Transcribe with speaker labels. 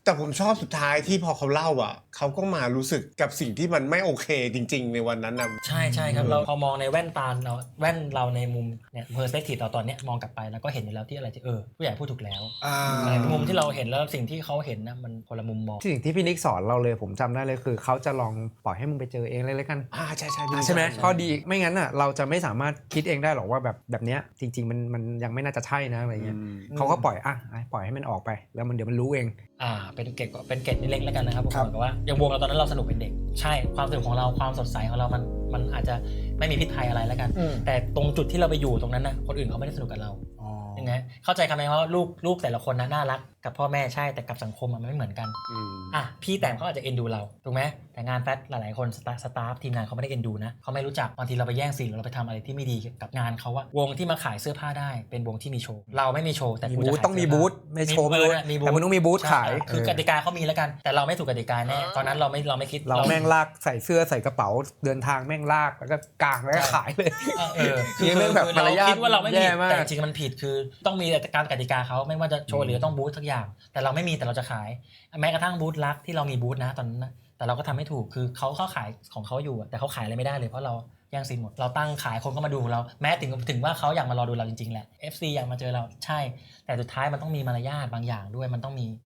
Speaker 1: แต่ผมชอบสุดท้ายที่พอเขาเล่าอ่ะเขาก็มารู้สึกกับสิ่งที่มันไม่โอเคจริงๆในวันนั้นนะ
Speaker 2: ใช่ครับเราพอมองในแว่นตาเราในมุมเนี่ยเพอร์สเปกทีฟเราตอนเนี้ยมองกลับไปแล้วก็เห็นอยู่แล้วที่อะไรที่ผู้ใหญ่พูดถูกแล้วในมุมที่เราเห็นแล้วสิ่งที่เขาเห็นนะมันคนละมุมมอง
Speaker 3: สิ่งที่พี่นิกสอนเราเลยผมจำได้เลยคือเขาจะลองปล่อยให้มึงไปเจอเองเลยกัน
Speaker 1: ใช่
Speaker 3: ใช่ไหมข้อดีไม่งั้นอ่ะเราจะไม่สามารถคิดเองได้หรอกว่าแบบเนี้ยจริงๆมันยังไม่น่าจะใช่นะอะไรเงี้ยเขาก็ปล่อยให้มันออกไปแล้วมันเดี๋ยวมันรู้เอง
Speaker 2: เป็นเกตเล็กๆแล้วกันนะครับผมบอกว่าอย่างวงเราตอนนั้นเราสนุกเป็นเด็กใช่ความสนุกของเราความสดใสของเรามันอาจจะไม่มีพิษภัยอะไรแล้วกันแต่ตรงจุดที่เราไปอยู่ตรงนั้นนะคนอื่นเขาไม่ได้สนุกกับเรายังไงเข้าใจคำไหมว่าลูกแต่ละคนนะน่ารักกับพ่อแม่ใช่แต่กับสังคมมันไม่เหมือนกันพี่แต่เขาอาจจะเอ็นดูเราถูกไหมแต่งานแฟชหลายๆคนสตาฟทีมงานเขาไม่ได้เอ็นดูนะเขาไม่รู้จักบางทีเราไปแย่งซีนเราไปทำอะไรที่ไม่ดีกับงานเขาว่าวงที่มาขายเสื้อผ้าได้เป็นวงที่มีโชว์เราไม่มีโชว์แต่
Speaker 3: บูธต้องมีบูธไม่โชว์แต่มันต้องมีบูธขาย
Speaker 2: คือกติกาเขามีแล้วกันแต่เราไม่ถูกกติกาแน่ตอนนั้นเราไม่คิด
Speaker 3: เราแม่งลากใส่เสื้อใส่กระเป๋าเดินทางแม่งลากแล้วก็กางแล้วก็ขายเลย
Speaker 2: คือเราคิดว่าเราไม่ผิดแต่จริงมันผิดคือต้องมีการกติกาเขาไม่ว่าจะโชว์หรือต้องบูธทุกอย่างแต่เราไม่มีแต่เราจะขายแม้กระทั่งบูธลักที่เรามีบูธนะตอนนั้นนะแต่เราก็ทำไม่ถูกคือเขาขายของเขาอยู่แต่เขาขายอะไรไม่ได้เลยเพราะเราแย่งซีนหมดเราตั้งขายคนก็มาดูเราแม้ถึงว่าเขาอยากมารอดูเราจริงๆแหละ FC อยากมาเจอเราใช่แต่สุดท้ายมันต้องมีมารยาทบางอย่างด้วยมันต้องมี